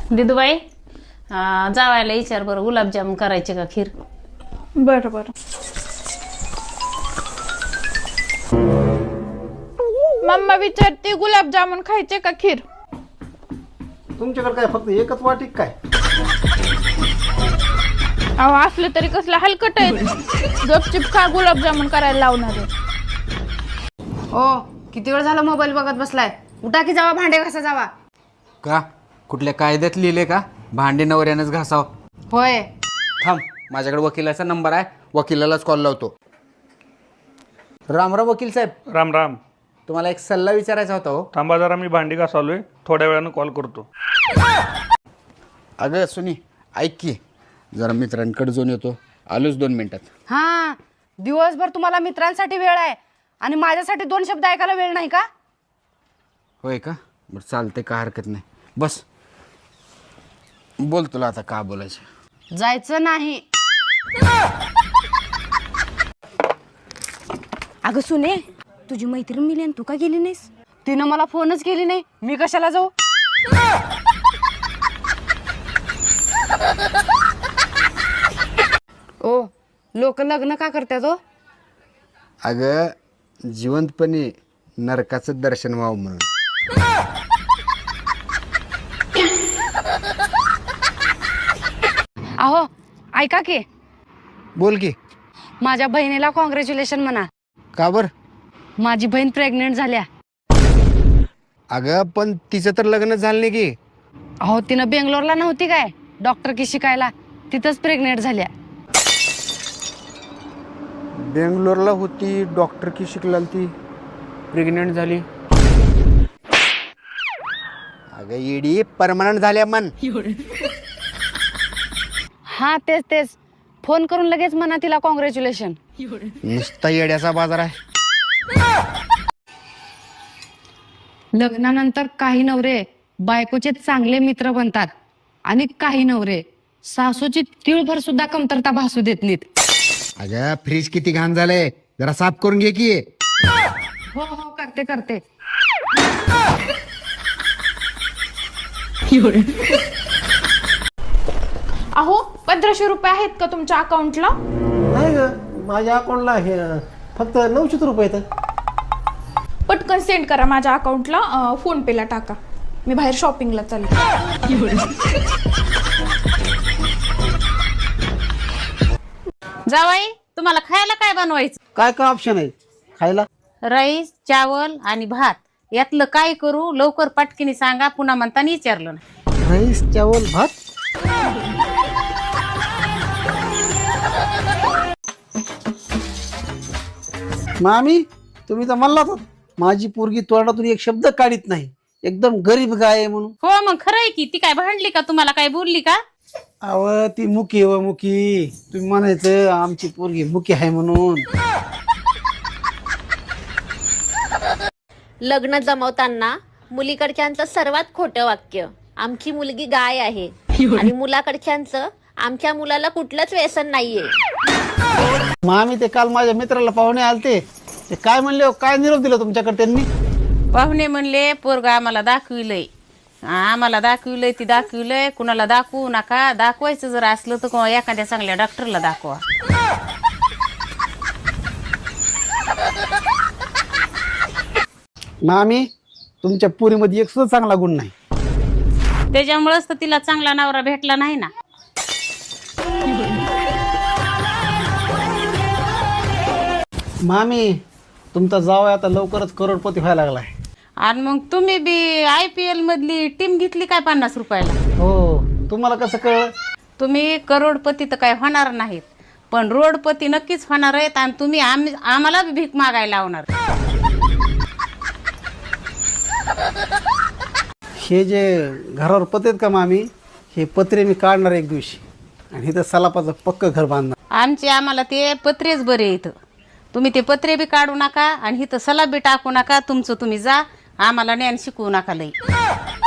दिदूबाई जावायला विचार बरं गुलाबजामुन करायचे का खीर. बरं बरं. मम्मा विचारते गुलाबजामुन खायचे का खीर. तुमच्याकडे काय फक्त एकच वाटी काय? अहो असलं तरी कसलं हलकट आहे. गपचिप खा, गुलाबजामुन करायला लावणार आहे. ओ किती वेळ झाला मोबाईल बघत बसलाय. उठा की जावा, भांडे घासा जावा. का कुठल्या कायद्यात लिहिले का भांडे नवऱ्यानंच घासाव? होय. थांब, माझ्याकडे वकिलाचा नंबर आहे, वकिलालाच कॉल लावतो. रामराव वकील साहेब, राम राम. तुम्हाला एक सल्ला विचारायचा होता हो. थांबा जरा, मी भांडी घासालोय, थोड्या वेळानं कॉल करतो. अगं सुनी, ऐक की, जरा मित्रांकडे जाऊन येतो, आलोच 2 मिनिटात. हा, दिवसभर तुम्हाला मित्रांसाठी वेळ आहे आणि माझ्यासाठी 2 शब्द ऐकायला वेळ नाही का? होय का? बरं चालते, का हरकत नाही. बस बोल, तुला आता का बोलायचं? जायचं नाही. अगं सुने, तुझी मैत्रीण मिली आणि तू का गेली नाहीस? तिनं मला फोनच केली नाही, मी कशाला जाऊ? ओ, लोक लग्न का करतात हो? अगं जिवंतपणे नरकाचं दर्शन व्हावं म्हणून. अहो ऐका की, बोल की. माझ्या बहिणीला कॉंग्रॅच्युलेशन म्हणा. का बर? माझी बहीण प्रेग्नेंट झाल्या. अगं पण तिचं तर लग्न झालं नाही की. अहो तिनं बेंगलोरला नव्हती काय डॉक्टर की शिकायला, तिथंच प्रेग्नेंट झाल्या. बेंगलोरला होती, डॉक्टर की शिकला, ती प्रेग्नेंट झाली. अगं येडी, परमनंट झाल्या मन. हा तेच तेच, फोन करून लगेच म्हणा तिला कॉंग्रॅच्युलेशन. नुसता येड्याचा बाजार आहे. लग्नानंतर काही नवरे बायकोचे चांगले मित्र बनतात आणि काही नवरे सासूची तिळभर सुद्धा कमतरता भासू देत नाहीत. अगं फ्रीज किती घाण झालंय, जरा साफ करून घे की. हो हो करते करते. अहो 1500 रुपये आहेत का तुमच्या अकाउंटला? नाही ग, माझ्या अकाउंटला हे फक्त 900 रुपये आहेत. पटकन सेंड करा माझ्या अकाउंटला, फोन पेला टाका. मी बाहेर शॉपिंगला चालले. जावाई, तुम्हाला खायला काय बनवायचं? काय काय ऑप्शन आहे खायला? राईस, चावल आणि भात, यातलं काय करू? लवकर पटकीने सांगा, पुन्हा म्हणताना विचारलं ना. राईस, चावल, भात. मामी, तुम्ही तर म्हणलात माझी पोरगी तोंडातून एक शब्द काढीत नाही, एकदम गरीब गाय आहे म्हणून. हो मग खरं आहे की. ती काय भांडली का तुम्हाला? काय बोलली का? अव ती मुकी व मुकी, तुम्ही म्हणायचं आमची पोरगी मुकी आहे म्हणून. लग्न जमवताना मुलीकडच्यांचं सर्वात खोटं वाक्य आमची मुलगी गाय आहे आणि मुलाकडच्यांचं आमच्या मुलाला कुठलंच व्यसन नाहीये. मामी ते काल माझ्या मित्राला पाहुणे आलते, ते काय म्हणले हो, काय निरोप दिला तुमच्याकडे त्यांनी? पाहुणे म्हणले पोरगा आम्हाला दाखविलंय, ती दाखविलंय, कुणाला दाखवू नका. दाखवायचं जर असलं तर एखाद्या चांगल्या डॉक्टरला दाखवा. मामी, तुमच्या पुरीमध्ये एक सुद्धा चांगला गुण नाही. त्याच्यामुळेच तर तिला चांगला नवरा भेटला नाही ना. मामी, तुमचा जावई आता लवकरच करोडपती व्हायला लागलाय. आणि मग तुम्ही बी IPL मधली टीम घेतली काय 50 रुपयाला? हो, तुम्हाला कसं कळलं? तुम्ही करोडपती तर काय होणार नाहीत, पण रोडपती नक्कीच होणार आहेत. आणि तुम्ही आम्हाला बी भीक मागायला लावणार. हे जे घरावर पत्रे आहेत का मामी, हे पत्रे मी काढणार एक दिवशी आणि इथं सलापाचं पक्क घर बांधणार. आम्हाला ते पत्रेच बरे इथं. तुम्ही ते पत्रे बी काढू नका आणि इथं सलाब बी टाकू नका. तुमचं तुम्ही जा, आम्हाला ज्ञान शिकवू नका लई.